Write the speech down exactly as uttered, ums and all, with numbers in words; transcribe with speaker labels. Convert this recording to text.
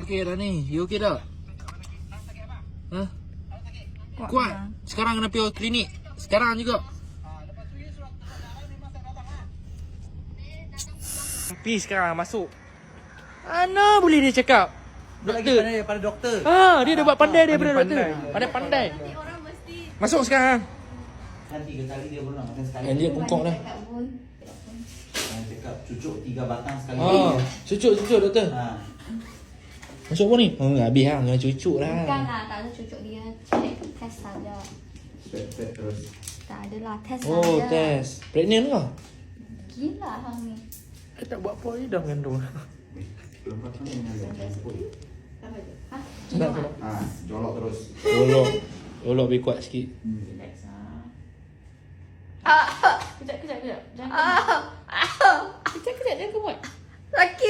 Speaker 1: okey dah ni. You okey tak? Hah?
Speaker 2: Kuat.
Speaker 1: Kuat. Sekarang kena pergi klinik. Sekarang juga. Pergi sekarang masuk. Mana boleh dia cakap?
Speaker 3: Lagi
Speaker 1: Doktor.
Speaker 3: pandai daripada doktor.
Speaker 1: Ah, dia dah buat pandai daripada
Speaker 3: Pandai
Speaker 1: doktor.
Speaker 3: pandai.
Speaker 1: Pandai-pandai.
Speaker 2: Nanti orang mesti
Speaker 1: Masuk sekarang.
Speaker 3: Kan tiga kali dia berenang. Makan sekali.
Speaker 1: Eh, dia bungkuk dah.
Speaker 2: cakap pun.
Speaker 3: Yang cakap cucuk tiga batang sekali.
Speaker 1: Ah, cucuk-cucuk doktor.
Speaker 3: Ha.
Speaker 1: Masuk apa ni? Oh, habis lah. Kena cucuk lah.
Speaker 2: Bukan lah, tak ada cucuk dia. Check test saja.
Speaker 3: Pet pet terus.
Speaker 2: Tak ada lah, test
Speaker 1: Oh,
Speaker 2: saja.
Speaker 1: test. Pregnant ke?
Speaker 2: Gila hang ni.
Speaker 1: Saya tak buat apa ni dah mengandung.
Speaker 3: Lepas tu dengan
Speaker 2: Ha?
Speaker 1: Sedap tak?
Speaker 3: Ah, jolok terus.
Speaker 1: Olok. Olok lebih kuat sikit.
Speaker 2: Relax ah. Ah, kejap kejap kejap. Jangan. Ah. Ah. Kejap kejap jangan kemut. Sakit.